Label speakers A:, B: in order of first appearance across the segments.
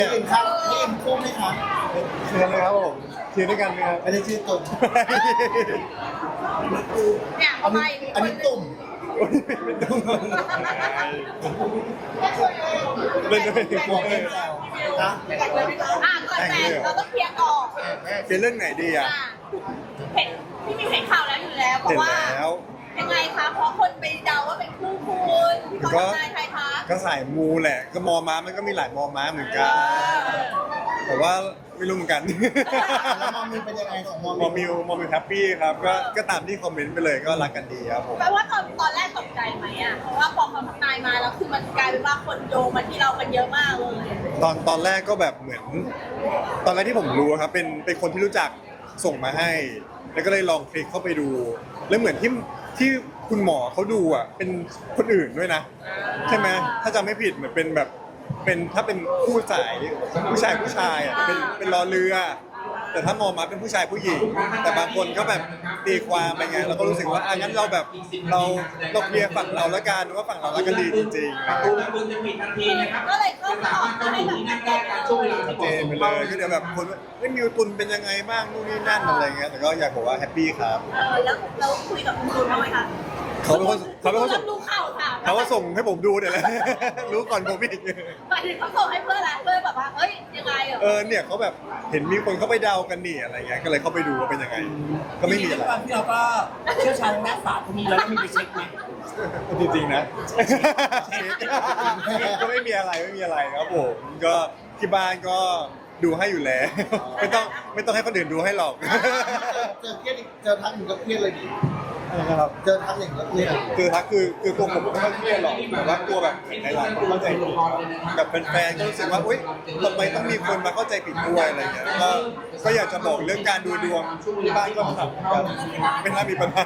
A: เห็นครับพี่เอ็มคู่ไหมครับ
B: เชิญเลยครับผมเชิญด้วยกันไหมครับ
A: ไม่ได้ชื่อตุ่ม
C: เนี่ย
A: อัน
C: ไป
A: นี้อันนี้ตุ่ม
B: เป็นตุ้มเล่นด้วยกลัวเลย
A: นะ
C: ก่อนแต่งเราต้องเคลียร์ก่อน
B: เป็นเรื่องไหนดีอ่ะ
C: เห็นพี่มีเห็นข่าวแล้วอยู่แล้วเพ
B: เห็น
C: ราะว่า
B: แล้ว
C: ยังไงคะเพราะคนไปเดาว่าเป็นคู่คุณพี่เขาทำนายใครคะ
B: ก็สายมูแหละ ก็มอม้ามันก็มีหลายมอม้าเหมือนกัน แต่ว่าไม่รู้เหมือนกัน
A: แล้วมอมิวเป็นยังไงของมอ
B: มอ
A: มิว
B: มิวแฮปปี้ครับก็ตามที่คอมเมนต์ไปเลยก็รักกันดีครับผม
C: แปลว่าตอนแรกตกใจไหมอ่ะเพราะว่าพอเขาทำนายมาแล้วคือมันกลายเป็นว่าคนโยงมาที่เรากันเยอะมากเลย
B: ตอนแรกก็แบบเหมือนตอนแรกที่ผมรู้ครับเป็นคนที่รู้จักส่งมาให้ แล้วก็เลยลองคลิกเข้าไปดู แล้วเหมือนที่คุณหมอเขาดูอ่ะเป็นคนอื่นด้วยนะใช่ไหมถ้าจำไม่ผิดเหมือนเป็นแบบเป็นถ้าเป็นคู่สายผู้ชายอ่ะเป็นรอเรือ แต่ถ้ามองมาเป็นผู้ชายผู้หญิง แต่บางคนก็แบบตีความไปไงเราก็รู้สึกว่างั้นเราแบบเราเคลียร์ฝั่งเราแล้วกันว่าฝั่งเรารักกันดีจริงๆ
C: ก็เลยเข้ามาออกมาให้แบบแก้กัน
B: เจนไปเลยก็เดี๋ยวแบบคนว่าไม่มิวตุนเป็นยังไงบ้างนู่นนี่นั่นอะไรเงี้ยแต่ก็อยากบอกว่าแฮปปี้ครับ
C: แล้วเราคุยกับคุณตูนบ้างไหมคะ
B: เขาเป็นคนส่ง
C: ดูข่าวค่ะ
B: เขาก็ส่งให้ผมดูเดี๋ยวแหละ รู้ก่อนผมอีก
C: หมายถึงเขาส่งให้เพื่อนอะไรเพื่อนแบบว่าเอ้ยยังไงเหรอ
B: เนี่ยเขาแบบเห็นมีคนเขาไปเดากันนี่อะไรเงี้ยก็เลยเข้าไปดูว่าเป็นยังไง ก็ไม่มีอะไร
D: ความที่เราก็เชี่ยวชาญด้านศาสตร์พวกนี้แล้วมีไปเช็คไหม
B: จริงๆนะ ก็ไม่มีอะไรครับผมก็ที่บ้านก็ดูให้อยู่แล้ว ไม่ต้องให้คนอื่นดูให้หรอก
A: เจอเครียดอีกเจอทักหนึ่งก็เครียดเลยดิ
B: นะครับ
A: เจอทักอย่างก็เครียด
B: คือทักคือตัวผมไม่ค่อยเครียดหรอกแต่ว่าตัวแบบหลายๆคนเข้าใจผิดแบบแฟนๆก็รู้สึกว่าอุ๊ยทำไมต้องมีคนมาเข้าใจผิดด้วยอะไรเงี้ยก็อยากจะบอกเรื่องการดูดวงที่บ้านก็ทำกันไม่น่ามีปัญหา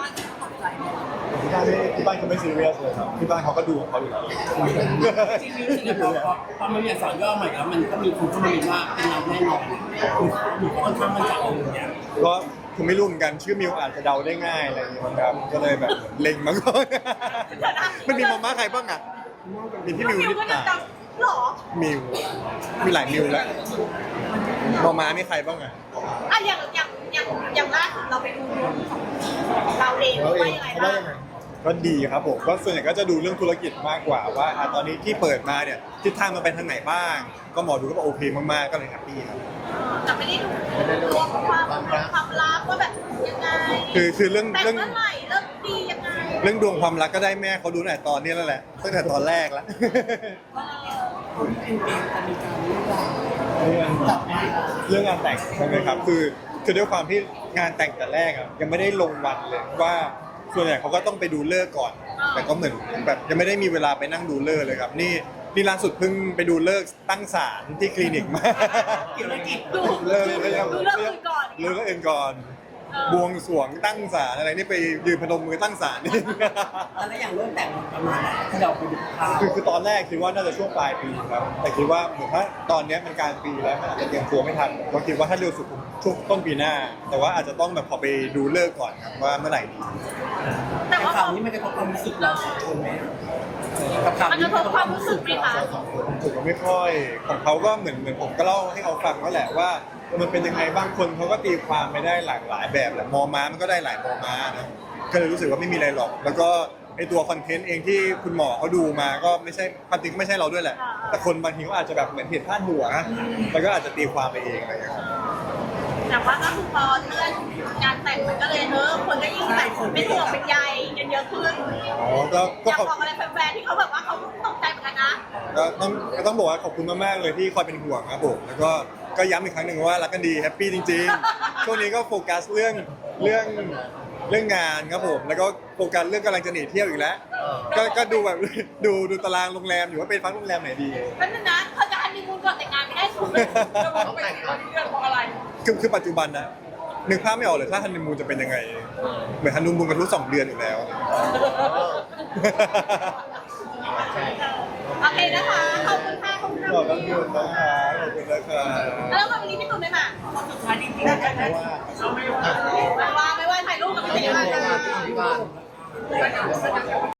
B: ที่บ้านเขาไม่ซีเรียสเลยครับที่บ้านเขาก็ดูของเขาอยู่แล้ว
D: จริงๆพอมันมีอักษรย่อใหม่แล้วมันก็มีคนเข้ามาเรียนว่าเป็นเราแน่นอนหนูค่อนข้างมั่นใจอย่างเงี้ย
B: ก็คือไม่รู้เหมือนกันชื่อมิวอาจจะเดาได้ง่ายอะไรอย่างเงี้ยมั้งครับก็เลยแบบเล็งมาก่อนมันมีมาม่าใครบ้างอ่ะมีพี่มิว
C: มิว
B: นิ
C: ก็
B: ด
C: จะ
B: ตา
C: จำหรอ
B: มิวมีหลายมิวแล้วมาม่ามีใครบ้างอ่ะ
C: อ่ะอย่างล่าสุดเราไปดูดวงของเราเอง
A: เราเอ
C: ว่าง ยังไง
A: เขา
C: บ้า
A: ว่าง ยังไง
B: ก็ดีครับผมก็ส่วนใหญ่ก็จะดูเรื่องธุรกิจมากกว่าว่าตอนนี้ที่เปิดมาเนี่ยทิศทางมันไปทางไหนบ้าง ก็หมอดูก็บอกโอเคมากๆก็เลยแฮปปี้ครับ
C: แต่ไม่ได้ดูดวงความรักว่าแบบยังไง
B: คือเรื่อง
C: แต่งเมื่อไหร่เริ่มดียังไง
B: เรื่องดวงความรักก็ได้แม่เขาดูตั้งแต่ตอนนี้แล้วแหละตั้งแต่ตอนแรกแล้ว เรื่องงานแต่งใช่ไหมครับคือด้วยความที่งานแต่งแต่แรกอ่ะยังไม่ได้ลงวันเลยว่าส่วนใหญ่เขาก็ต้องไปดูฤกษ์ก่อน แต่ก็เหมือนแบบยังไม่ได้มีเวลาไปนั่งดูฤกษ์เลยครับนี่ล่าสุดเพิ่งไปดูฤกษ์ตั้งศาลที่คลินิกมา
D: เกี่ยวอะไรกิจ
C: ดู
B: เลิก
C: เรื่องอื่นก่อน
B: เลิกเองก่อนบวงสรวงตั้งศาลอะไรนี่ไปยืนพนมมือตั้งศาลนี่
D: แล้วอย่างเรื่องแต่งประมาณไหนที่เราไปดูข่าว
B: คือตอนแรกคิดว่าน่าจะช่วงปลายปีครับแต่คิดว่าเหมือนถ้าตอนนี้มันกลางปีแล้วมันอาจจะเตรียมตัวไม่ทันก็คิดว่าถ้าเร็วสุดช่วงต้นปีหน้า แต่ว่าอาจจะต้องแบบขอไปดูเลิกษ์ก่อนครับว่าเมื่อไหร่ดี
C: แต่ว่า
D: ข่าวนี้มันกระทบความรู้สึกเราสองคนไหมกับข่าว
C: มัน
D: นี้
C: กระทบความรู้สึกไหมคะ
B: ผมก็ไม่ค่อยของเขาก็เหมือนผมก็เล่าให้เขาฟังว่าแหละว่ามันเป็นยังไงบางคนเขาก็ตีความไม่ได้หลากหลายแบบแหละมอม้ามันก็ได้หลายมอม้านะก็เลยรู้สึกว่าไม่มีอะไรหรอก แล้วก็ไอตัวคอนเทนต์เองที่คุณหมอเขาดูมาก็ไม่ใช่ความจริงไม่ใช่เราด้วยแหละ แต่คนบางทีเขาอาจจะแบบเหมือนผิดพลาดหัวแล้วก็อาจจะตีความไปเองอะไรอย่างเงี้ยครับ
C: แต่ว่าก็คือพอเลื่อนงานแต่งมันก็เลยคนก็ยิ่งแบบเป็นห่วงเป็นใยกันเยอะขึ้น
B: อ๋อก็
C: อยาก
B: ขอบ
C: บอกอะไรแฟนๆที่เขาแบบว่าเขาตกใจเหมือนกันนะ
B: ก็ต้องบอกว่าขอบคุณมากๆเลยที่คอยเป็นห่วงครับผมแล้วก็ย้ำอีกครั้งหนึ่งว่ารักกันดีแฮปปี้จริงๆ ช่วงนี้ก็โฟกัสเรื่องงานครับผมแล้วก็โฟกัสเรื่องกำลังจะหนีเที่ยวอีกแล้วก็ดูแบบดูตารางโรงแรมอยู่ว่าเป็นพักโรงแรมไหนดี
C: นั่นนะเขาจะฮันนีมูนก่อนแต่งงานไม่ได้ถูกเลยต้องแต่งตอนนี้เรื่องเพราะอะไร
B: คือปัจจุบันนะนึกภาพไม่ออกเลยถ้าฮันนีมูนจะเป็นยังไงเหมือนฮันนีมูนกันทุก2 เดือนอยู่แล้ว
C: โอเคนะคะ ขอบคุณค่ะขอบคุณ
B: ขอบ
C: ค่ะ
B: คุณนะครับขอบคุณนะครับ
C: แล้ววันนี้พี่ตุ่นไม่มา
D: สุดท้ายจริงๆนะ
C: ไม่ว่าถ่ายรูปกับพี่ติ๋มมาค่ะ